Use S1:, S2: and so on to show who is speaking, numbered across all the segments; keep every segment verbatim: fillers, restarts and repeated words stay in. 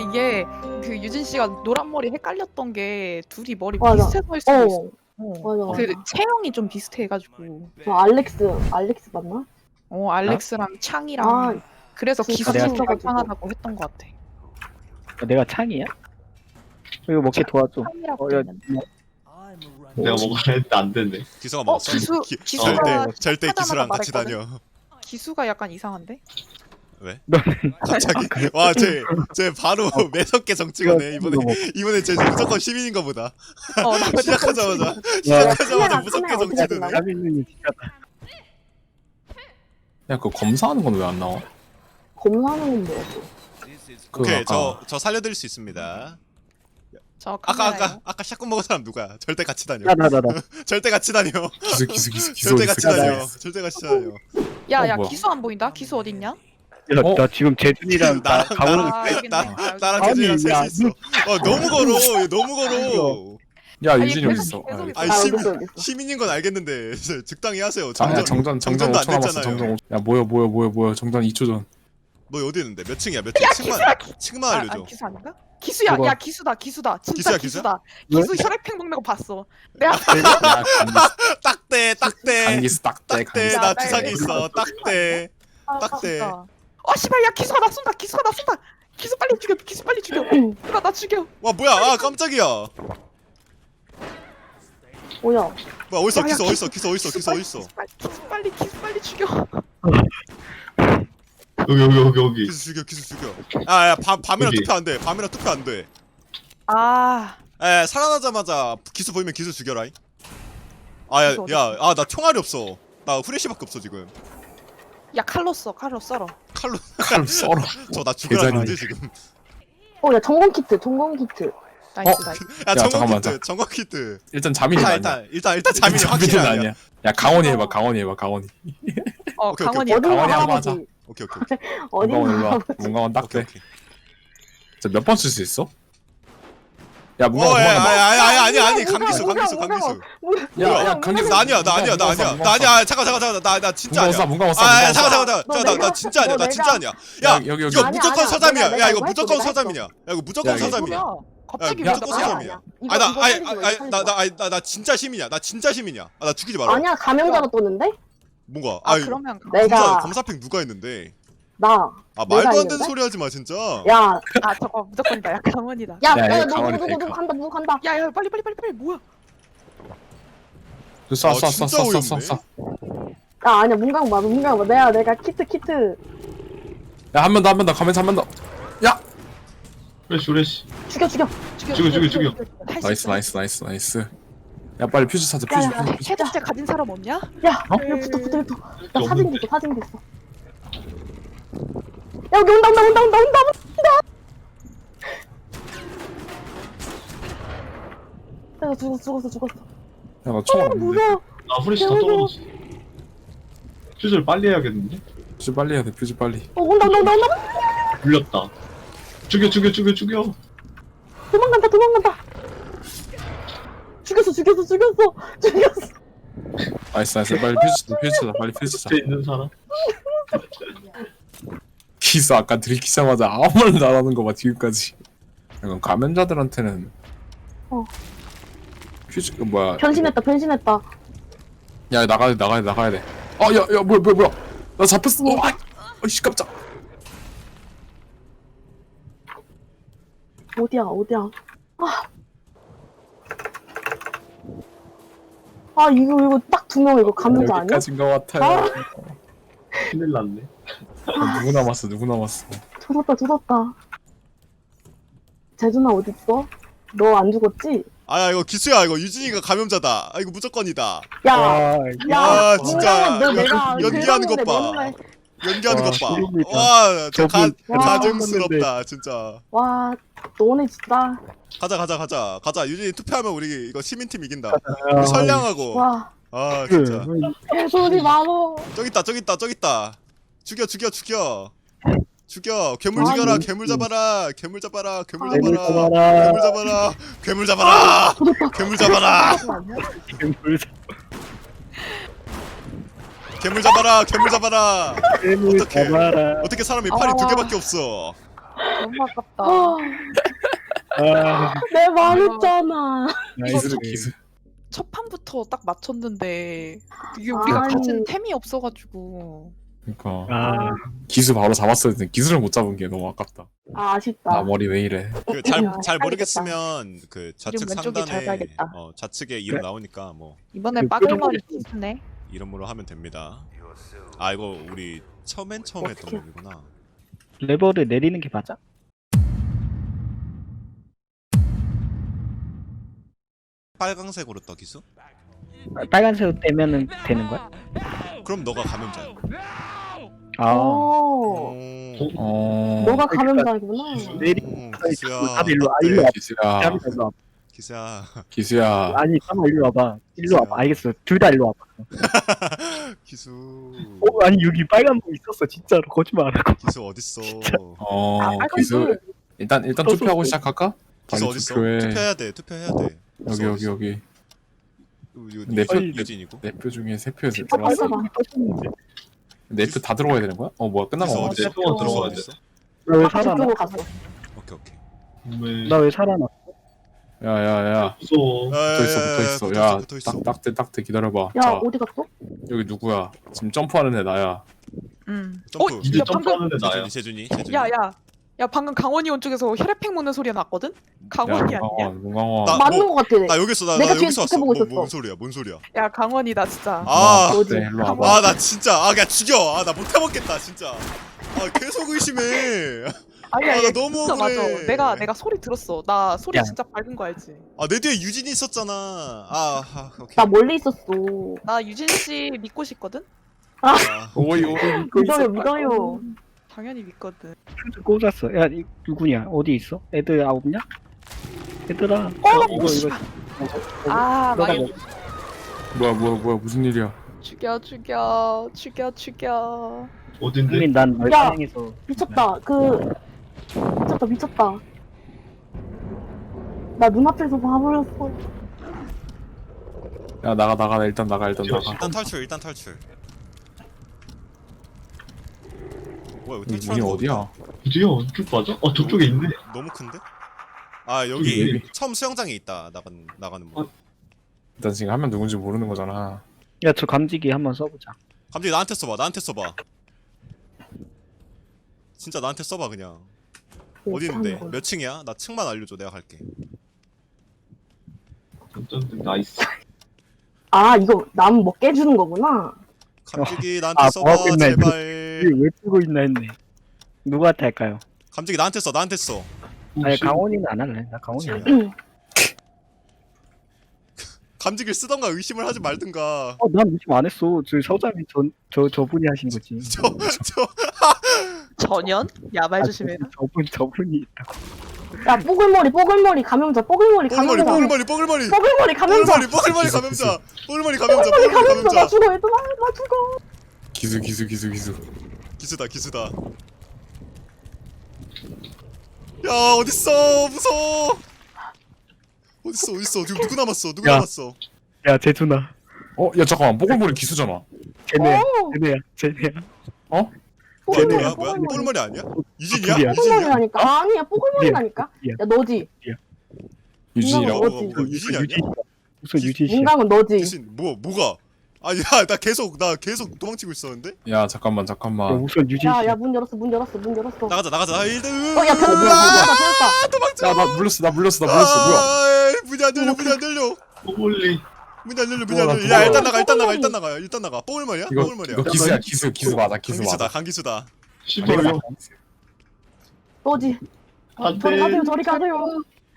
S1: 이게 그 유진 씨가 노란 머리 헷갈렸던 게 둘이 머리
S2: 맞아.
S1: 비슷해서일 수도
S2: 어.
S1: 있어. 어.
S2: 맞아,
S1: 그
S2: 맞아.
S1: 체형이 좀 비슷해가지고.
S2: 저 알렉스, 알렉스 맞나?
S1: 어 알렉스랑 창이랑
S2: 아,
S1: 그래서
S2: 둘
S1: 기술이
S2: 같이
S1: 좀
S2: 있어가지고.
S1: 이상하다고 했던 것 같아.
S3: 어, 내가 창이야? 이거 먹게 도와줘.
S1: 창이라고
S3: 어,
S1: 돼
S3: 야,
S1: 있는데.
S4: 내가 먹으려 했는데 안 됐네.
S5: 기수가
S1: 어
S5: 먹었어?
S1: 기수
S5: 기,
S1: 기수가
S5: 절대 절대
S1: 하자마자
S5: 기수랑 같이
S1: 말했거든?
S5: 다녀.
S1: 기수가 약간 이상한데?
S5: 왜?
S3: 너는
S5: 갑자기 와쟤쟤 바로 매섭게 정치가네 이번에
S3: 이거
S5: 이번에 쟤 무조건 시민인가 보다.
S1: 어, 나
S5: 시작하자마자
S2: 카메라,
S5: 시작하자마자 무섭게
S2: 카메라 어디
S5: 정치드네.
S2: 갔나?
S3: 자비는 지켰다.
S6: 야, 그 검사하는 건 왜 안 나와?
S2: 검사하는 건 뭐야? 또?
S6: 그
S5: 오케이
S6: 아까
S5: 저 저 살려드릴 수 있습니다.
S1: 저
S5: 아까
S1: 카메라예요.
S5: 아까 아까 샷건 먹은 사람 누구야? 절대 같이 다녀.
S3: 나, 나, 나, 나.
S5: 절대 같이 다녀.
S6: 기수 기수 기수 기수
S5: 절대
S6: 어디
S5: 같이
S6: 있어?
S5: 다녀. 절대 같이 다녀.
S1: 야,
S6: 어,
S1: 야,
S6: 뭐야?
S1: 기수 안 보인다? 기수 어딨냐?
S3: 야,
S6: 어?
S3: 나 지금 재준이랑 나
S5: 나랑-
S3: 가오는
S1: 아, 알겠네.
S5: 나
S1: 아, 알겠네.
S5: 나랑
S3: 아니,
S5: 재준이랑 셋이
S3: 야,
S5: 있어. 어 너무 걸어. 얘 너무 걸어.
S6: 야,
S1: 아니,
S6: 유진이 어디
S1: 계속-
S6: 있어?
S1: 계속
S6: 아,
S1: 있어.
S5: 아니
S2: 아,
S5: 시민
S2: 어딨어, 어딨어.
S5: 시민인 건 알겠는데 적당히 하세요.
S6: 아니야,
S5: 정전
S6: 정전 정전
S5: 정전도
S6: 오
S5: 안
S6: 초 남았어.
S5: 됐잖아요.
S6: 정전 오 초. 야, 뭐야 뭐야 뭐야 뭐야. 정전 이 초 전.
S5: 너 어디 있는데? 몇 층이야? 몇 층? 층만 층만
S1: 아,
S5: 알려줘.
S1: 아, 기수 아닌가? 기수야,
S6: 그거-
S1: 야 기수다, 기수다, 진짜
S5: 기수야,
S1: 기수다.
S3: 기수야?
S1: 기수 혈액팩 먹는 거 봤어. 내가
S6: 야, 강기수
S5: 딱대 딱대
S6: 강기수 딱대
S5: 딱대
S6: 강기수.
S1: 야,
S5: 나
S1: 나
S5: 주사기
S1: 이거
S5: 있어. 딱대
S1: 아,
S5: 딱대.
S1: 진짜. 어 씨발, 야 기수가 나 쏜다, 기수가 나 쏜다. 기수 빨리 죽여, 기수 빨리 죽여. 누가 나 죽여.
S5: 와 뭐야? 아 깜짝이야.
S2: 뭐야?
S5: 뭐야 어딨어?
S1: 야, 야,
S5: 기수 어딨어? 기수 어딨어? 기수
S1: 빨리,
S5: 어딨어?
S1: 기수 빨리, 기수 빨리, 기수 빨리 죽여.
S4: 여기 여기 여기 여기.
S5: 기수 죽여 기수 죽여. 아야 밤이랑
S4: 여기.
S5: 투표 안 돼. 밤이랑 투표 안 돼.
S1: 아,
S5: 에 살아나자마자 기수 보이면 기수 죽여라. 아야
S1: 기수 어디
S5: 야 아 나 총알이 없어. 나 후레쉬밖에 없어 지금.
S1: 야 칼로 써, 칼로 썰어.
S5: 칼로
S6: 칼로 썰어.
S5: 저 나 죽으라는
S6: 계산이.
S5: 거지 지금.
S2: 어, 야, 점검 키트, 점검 키트.
S1: 나이스, 나이스.
S5: 야 정원
S6: 잠깐만,
S5: 키트 정원 키트.
S6: 일단 자민이
S5: 일단
S6: 아니야.
S5: 일단 일단 일단 자민이 확실히 아니야.
S6: 아니야. 야, 강원이 해봐. 강원이 해봐. 강원이.
S1: 어,
S5: 오케이, 오케이,
S1: 강원이.
S6: 오케이.
S2: 어딘가
S6: 강원이 한번 하자.
S2: 할아버지.
S5: 오케이 오케이 오케이
S2: 어딘가
S6: 문강원 일로 와.
S2: 할아버지.
S6: 문강원
S5: 오케이
S6: 딱대.
S5: 오케이.
S6: 몇 번 쓸 수 있어? 야,
S5: 어,
S6: 문강원
S5: 야,
S6: 도망가.
S5: 야, 야, 아니, 아니, 아니,
S2: 뭐야,
S5: 강기수,
S2: 뭐야,
S5: 강기수,
S2: 뭐야,
S5: 강기수.
S6: 야,
S5: 뭐야?
S6: 야, 강기수.
S5: 나 아니야, 나 아니야, 나 아니야, 나 아니야. 잠깐, 잠깐, 잠깐, 나, 나 진짜
S6: 문강원 쏴,
S5: 아니야.
S6: 문강원 쏴.
S5: 아, 야,
S6: 문강원
S5: 잠깐,
S6: 쏴.
S5: 잠깐, 잠깐,
S2: 너
S5: 잠깐, 나, 나
S2: 내가-
S5: 진짜 아니야,
S2: 너
S5: 나 진짜
S2: 내가-
S5: 아니야. 야,
S6: 여기, 여기, 여기.
S5: 이거
S2: 아니야,
S5: 무조건
S2: 아니야.
S5: 서담이야.
S2: 내가-
S5: 야, 이거
S2: 내가
S5: 무조건
S2: 했어, 내가
S5: 서담이야. 야, 이거 무조건
S6: 야, 이거
S5: 서담이야.
S1: 뭐야? 갑자기
S5: 야,
S1: 왜
S5: 무조건
S1: 나야?
S5: 서담이야.
S2: 이거-
S5: 아, 나,
S2: 이거
S5: 아니,
S2: 살리지 마,
S5: 아니,
S2: 이거
S5: 나,
S2: 살리지
S5: 나, 아니, 나, 나 진짜 시민이야. 나 진짜 시민이야. 아, 나 죽이지 마라.
S2: 아니야, 감염자로 떴는데?
S5: 뭔가,
S1: 아,
S5: 아,
S1: 그러면
S2: 내가-
S5: 검사, 검사팩 누가 했는데?
S2: 나.
S5: 아,
S2: 내가
S5: 말도 안 되는
S2: 했는데?
S5: 소리 하지 마, 진짜.
S2: 야,
S1: 아 저거 무조건이다. 야 강원이다.
S2: 야,
S6: 야,
S2: 야,
S6: 야,
S2: 누구,
S6: 강원이
S2: 누구, 누구
S6: 페이커.
S2: 간다, 누구 간다.
S1: 야야 빨리 빨리 빨리 빨리 뭐야?
S6: 쏴,
S5: 아,
S6: 쏴, 쏴,
S5: 진짜
S6: 쏴, 쏴,
S5: 어이없네.
S6: 쏴.
S2: 야, 아니야, 문강 봐, 문강 봐. 내가, 내가 키트, 키트.
S6: 야, 한 번 더, 한 번 더. 가면서 한 번 더. 야!
S4: 후레쉬 후레쉬.
S2: 죽여, 죽여.
S4: 죽여, 죽여, 죽여.
S1: 할수
S6: 나이스,
S1: 있어.
S6: 나이스, 나이스, 나이스. 야, 빨리 퓨즈 찾아,
S2: 야,
S6: 퓨즈,
S2: 야,
S6: 퓨즈, 퓨즈.
S1: 해독제 가진 사람 없냐?
S2: 야,
S6: 어?
S2: 야, 붙어, 붙어, 붙어. 나
S4: 없는데.
S2: 사진 됐어, 사진 됐어. 야, 여기 온다, 온다, 온다, 온다, 온다, 온다. 야, 나 죽었어, 죽었어, 죽었어.
S6: 야, 나 총알
S2: 어,
S6: 없는데.
S2: 무서워.
S4: 아 후레쉬 다 떨어졌어. 퓨즈를 빨리 해야겠는데?
S6: 퓨즈 빨리 해야 돼, 퓨즈 빨리.
S2: 어, 온다, 온다, 온다, 온다.
S4: 물렸다. 죽여 죽여 죽여 죽여.
S2: 도망간다, 도망간다. 죽였어, 죽였어, 죽였어, 죽였어.
S6: 나이스, 나이스. 빨리 퓨즈 찾아, 퓨즈 찾아, 빨리 퓨즈 찾아.
S4: 옆에 있는 사람.
S6: 기스 아까 들키자마자 아무 말도 안 하는 거 봐, 지금까지. 약간 감염자들한테는.
S2: 어.
S6: 퓨즈, 그 뭐야.
S2: 변신했다, 변신했다.
S6: 야, 나가야 돼, 나가야 돼, 나가야 돼. 아, 야, 야, 뭐야, 뭐야, 뭐야. 나 잡혔어. 어, 아, 어이씨, 깜짝.
S2: 어디야, 어디야. 아. 아, 이거, 이거 딱 두 명, 이거 감염자 아니야?
S6: 여기까지인 것 같아요.
S2: 아.
S4: 큰일 났네.
S6: 어, 누구 남았어, 누구 남았어.
S2: 조졌다, 조졌다. 재준아, 어딨어? 너 안 죽었지?
S5: 아, 이거 기수야. 이거 유진이가 감염자다. 아, 이거 무조건이다.
S2: 야,
S3: 아,
S2: 야,
S5: 아, 진짜
S2: 문강아, 너 내가
S5: 연기하는 것
S2: 긁었는데
S5: 봐.
S2: 맨날-
S5: 연기하는
S3: 와,
S5: 것 봐.
S3: 소름이다.
S5: 와, 저 가,
S3: 저분
S5: 가증스럽다, 진짜.
S2: 와, 너네 진짜.
S5: 가자, 가자, 가자. 가자. 유진이 투표하면 우리 이거 시민팀 이긴다.
S3: 아,
S5: 우리 선량하고.
S2: 와,
S5: 아,
S3: 그,
S5: 진짜.
S2: 개소리 많어.
S5: 저기 있다, 저기 있다, 저기 있다. 죽여, 죽여, 죽여. 죽여. 괴물
S2: 아,
S5: 죽여라.
S2: 뭐.
S5: 괴물 잡아라. 괴물 잡아라. 괴물
S2: 아,
S3: 괴물
S5: 잡아라.
S3: 잡아라.
S5: 괴물 잡아라. 괴물 잡아라. 괴물 잡아라.
S3: 괴물
S5: 괴물 잡아라. 괴물 잡아라.
S3: 괴물
S5: 어떡해.
S3: 잡아라.
S5: 어떻게 사람이 팔이
S2: 아.
S5: 두 개밖에 없어?
S1: 너무 아깝다.
S2: 아,
S3: 아,
S2: 내 말했잖아.
S6: 기술 기술.
S1: 첫 판부터 딱 맞췄는데 이게 우리가
S2: 아니.
S1: 가진 템이 없어가지고.
S6: 그러니까
S3: 아,
S6: 기술 바로 잡았어야 했는데 기술을 못 잡은 게 너무 아깝다.
S2: 아, 아쉽다.
S6: 나 머리 왜 이래?
S5: 그 잘
S2: 아,
S5: 잘
S2: 헷갈리겠다.
S5: 모르겠으면 그 좌측
S1: 이름 왼쪽에 잘
S5: 상단에
S1: 봐야겠다.
S5: 어 좌측에 이름
S3: 그래.
S5: 나오니까 뭐
S1: 이번엔
S3: 그
S1: 빠글머리
S3: 뾰족하게
S1: 기수네.
S5: 이름으로 하면 됩니다. 아 이거 우리 처음엔 처음 했던
S2: 어떻게-
S5: 맵이구나.
S3: 레버를 내리는 게 맞아?
S5: 빨강색으로 떠 기수?
S3: 아, 빨간색 떼면은 되는 거야?
S5: 그럼 너가 감염자야.
S3: 아,
S2: 오,
S5: 오.
S6: 어.
S2: 너가 감염자구나.
S3: 내리.
S5: 오,
S3: 아니,
S5: 기수야.
S3: 다들 일로 와,
S5: 어때?
S3: 일로 와.
S6: 기수야.
S3: 잠깐만, 일로 와.
S5: 기수야.
S6: 기수야.
S3: 아니, 잠깐만 일로 와봐. 일로 와봐. 알겠어. 둘 다 일로 와봐.
S5: 기수.
S3: 어, 아니 여기 빨간 거 있었어. 진짜로 거짓말 안 하고.
S5: 기수 어딨어?
S6: 어.
S1: 아, 빨간
S6: 기수.
S1: 불.
S6: 일단 일단
S3: 떴어,
S6: 투표하고
S3: 떴어.
S6: 시작할까?
S5: 기수
S6: 빨리
S5: 어딨어?
S6: 투표해.
S5: 투표해야 돼. 투표해야 돼.
S6: 여기
S5: 기수
S6: 여기
S5: 어딨어?
S6: 여기.
S5: 이거
S6: 내 표-
S5: 유진이고.
S6: 내 표 중에 세 표
S3: 진짜
S6: 들어왔어.
S3: 빨간 거 떴었는데.
S6: 내 표 다 들어가야 되는 거야? 어 뭐야 끝난
S5: 기수
S6: 거
S5: 어딨어?
S6: 같아.
S4: 동안
S5: 기수
S4: 들어가야 돼.
S5: 어딨어?
S3: 나 왜
S2: 아,
S3: 살아나?
S2: 저쪽으로 갔어.
S5: 오케이 오케이.
S4: 왜
S3: 나 왜 살아나?
S6: 야야야.
S4: 무서워.
S6: 붙어 있어 붙어 있어.
S5: 붙어
S6: 야
S5: 붙어 있어.
S6: 딱 딱대 딱대 기다려봐.
S2: 야,
S6: 자
S2: 어디 갔어?
S6: 여기 누구야? 지금 점프하는 애 나야.
S1: 음.
S5: 점프.
S1: 어,
S4: 이제
S1: 야, 방금
S4: 점프하는데 나야.
S5: 재준이 재준이 재준이.
S1: 야, 야. 야, 방금 강원이 온 쪽에서 혈액팩 먹는 소리가 났거든? 강원이
S6: 야
S1: 아니야?
S6: 문강원 문강원.
S5: 나-
S2: 맞는
S5: 뭐,
S2: 것 같아.
S5: 나 여기 있어. 나, 나
S2: 내가
S5: 여기
S2: 지금
S5: 있어.
S2: 지켜보고
S5: 뭐,
S2: 있었어.
S5: 뭔 소리야? 뭔 소리야?
S1: 야, 강원이다 진짜.
S5: 아.
S2: 뭐지?
S6: 네, 일로 와봐.
S5: 아 나 진짜 아 그냥 죽여. 아 나 못 해먹겠다 진짜. 아 계속 의심해.
S1: 아니야,
S5: 아,
S1: 얘
S5: 나 너무
S1: 진짜
S5: 억울해.
S1: 맞아. 내가 내가 소리 들었어. 나 소리
S3: 야.
S1: 진짜 밝은 거 알지?
S5: 아 내 뒤에 유진이 있었잖아. 아, 아 오케이.
S2: 나 멀리 있었어.
S1: 나 유진 씨 믿고 싶거든?
S5: 아,
S6: 오이 오이.
S2: 믿어요, 믿어요.
S1: 당연히 믿거든.
S3: 퓨즈 꽂았어. 야, 이 누구냐? 어디 있어? 애들 아홉냐? 얘들아.
S1: 어,
S3: 이거 이거.
S1: 아,
S3: 너가
S1: 막
S6: 뭐야 뭐야 뭐야 무슨 일이야?
S1: 죽여 죽여 죽여 죽여.
S4: 어딘데?
S3: 국민 난널
S2: 야.
S3: 사랑해서.
S2: 미쳤다. 그 미쳤다, 미쳤다. 나 눈앞에서 봐버렸어.
S6: 야 나가 나가 일단 나가 일단 나가.
S5: 일단 탈출 일단 탈출. 뭐야 이거
S6: 여기
S5: 탈출하는
S6: 문이
S5: 거
S6: 어디야?
S4: 어디야? 쭉 맞아? 어 저쪽에 있네.
S5: 너무 큰데? 아 여기
S6: 여기.
S5: 처음 수영장에 있다 나가는 나가는 문.
S4: 어.
S6: 일단 지금 하면 누군지 모르는 거잖아.
S3: 야, 저 감지기 한번 써보자.
S5: 갑자기 나한테 써봐 나한테 써봐. 진짜 나한테 써봐 그냥. 어디 있는데? 몇 층이야? 나 층만 알려줘 내가 갈게.
S4: 어쩐데 나이스.
S2: 아, 이거 남 뭐 깨주는 거구나.
S5: 감지기 나한테
S3: 아,
S5: 써봐
S3: 뭐하고 있나 했네.
S5: 제발.
S3: 이게 왜 뜨고 있나 했네. 누구한테 할까요?
S5: 감지기 나한테 써 나한테 써.
S3: 아니,
S4: 혹시
S3: 강원이는 안 할래. 나 강원이 안 할래.
S5: 감지기를 쓰던가 의심을 하지 말든가.
S3: 어, 난 의심 안 했어. 저 서장이 전, 저, 저분이 하신 거지.
S5: 저 저
S1: 전현? 야말
S3: 아,
S1: 조심해라.
S3: 저분, 저분이 있다고.
S2: 야, 뽀글머리, 뽀글머리 감염자, 뽀글머리
S5: 뽀글머리
S2: 감염자.
S5: 뽀글머리 뽀글머리
S2: 뽀글머리 감염자.
S5: 뽀글머리 뽀글머리
S6: 기수,
S5: 감염자 뽀글머리 감염자
S2: 뽀글머리
S5: 뽀글머리
S2: 감염자. 나
S5: 감염자.
S2: 죽어, 얘들아. 나 죽어.
S6: 기수 기수 기수 기수.
S5: 기수다 기수다. 야 어딨어 무서워. 어딨어 어딨어 지금 누구 남았어 누구
S3: 야.
S5: 남았어.
S3: 야, 재준아.
S6: 어 야 잠깐만 뽀글머리 기수잖아.
S3: 쟤네,
S2: 오.
S3: 쟤네야, 쟤네야.
S5: 뭐야
S2: 뽀글머리,
S5: 뭐야 뭐야
S2: 뽀글머리.
S5: 뽀글머리 아니야? 유진이야?
S3: 둘이야.
S5: 유진이야?
S2: 뽀글머리라니까. 아니야, 뽀글머리라니까.
S3: 둘이야.
S2: 야, 너지.
S6: 유진이라고?
S2: 뭐가
S5: 뭐가
S2: 뭐지?
S5: 뭐가 유진이 아니야?
S3: 무슨 유진 씨?
S2: 문강은 너지.
S5: 유진 뭐 뭐가? 아야 나 계속 나 계속 도망치고 있었는데?
S6: 야 잠깐만
S3: 야,
S6: 잠깐만.
S3: 무슨 유진
S2: 야,
S3: 씨?
S2: 야, 문 열었어, 문 열었어, 문 열었어.
S5: 나가자 나가자. 아 일단
S2: 어, 야, 변, 변, 변했다, 변했다.
S5: 도망쳐.
S6: 야 나 물렸어 나 물렸어 나 물렸어 뭐야?
S5: 아, 에이, 문이 안 열려 문이 안 열려.
S4: 뽀글리.
S5: 문이 안 열려 문이
S6: 어,
S5: 안
S6: 나
S5: 열려. 야
S6: 그거-
S5: 일단 나가 일단 나가
S2: 뽀글머리.
S5: 일단 나가 일단 나가. 뽀글머리야?
S6: 이거
S5: 뽀글머리야.
S6: 이거 기수야 기수 기수 맞아 기수
S5: 강기수다
S6: 맞아.
S5: 강기수다.
S4: 씨발요.
S2: 너지.
S4: 안돼.
S2: 저리 가세요, 저리 가세요.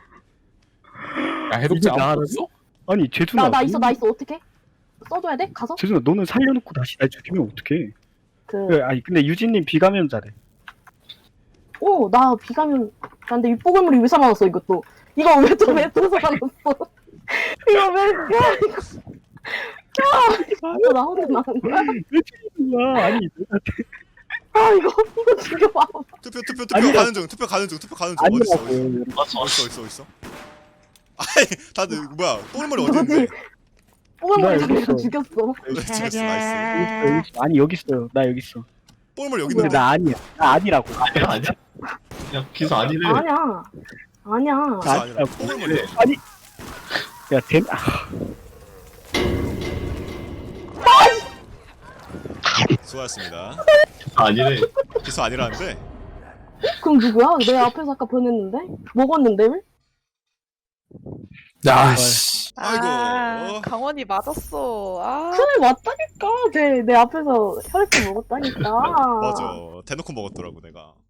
S6: 야 해독제
S3: 이거
S6: 안
S3: 나를-
S6: 먹었어?
S3: 아니, 재준아.
S2: 나, 나 있어, 나 있어. 어떻게? 써줘야 돼? 가서?
S3: 재준아, 너는 살려놓고 다시 날 죽이면 어떡해?
S2: 그,
S3: 그래, 아니, 근데 유진님 비감염자래.
S2: 오, 나 비가면, 근데 이 뽀글머리 왜 살아났어, 이것도. 이거 왜 또, 왜 또 살아났어? 이거 왜, 야, 이거. 야, 이거 나 혼자 나온 거야?
S3: 왜 죽이는 거야? 아니, 내가
S2: 아, 이거, 이거 죽여봐.
S5: 투표 투표 투표
S3: 아니라-
S5: 가는 중 투표 가는 중 투표 가는 중 어딨어 어딨어
S3: 아니라고.
S4: 왔어 왔어.
S5: 어딨어 어딨어 어딨어. 아이 다들 뭐야 뽀글머리 어디 있는데?
S2: 너지? 뽀글머리
S3: 나 여기
S2: 내가
S3: 있어.
S2: 죽였어.
S5: 죽였어 나이스.
S3: 여기 있어, 여기 있어. 아니, 여기 있어요. 나 여기 있어.
S5: 뽀글머리 여기
S3: 근데
S5: 있는데.
S3: 나 아니야. 나 아니라고.
S4: 아니야 아니야. 야 기수 아니래.
S2: 아니야. 아니야.
S5: 기수 아니라 뽀글머리.
S3: 아니. 야, 된, 아,
S5: 수고하셨습니다.
S4: 아니래.
S5: 기수 아니라는데.
S2: 그럼 누구야? 내 앞에서 아까 보냈는데? 먹었는데 왜?
S6: 야씨.
S5: 아이고.
S1: 아, 강원이 맞았어. 아,
S2: 그래 맞다니까. 쟤 내 앞에서 혈액 먹었다니까.
S5: 맞아. 대놓고 먹었더라고 내가.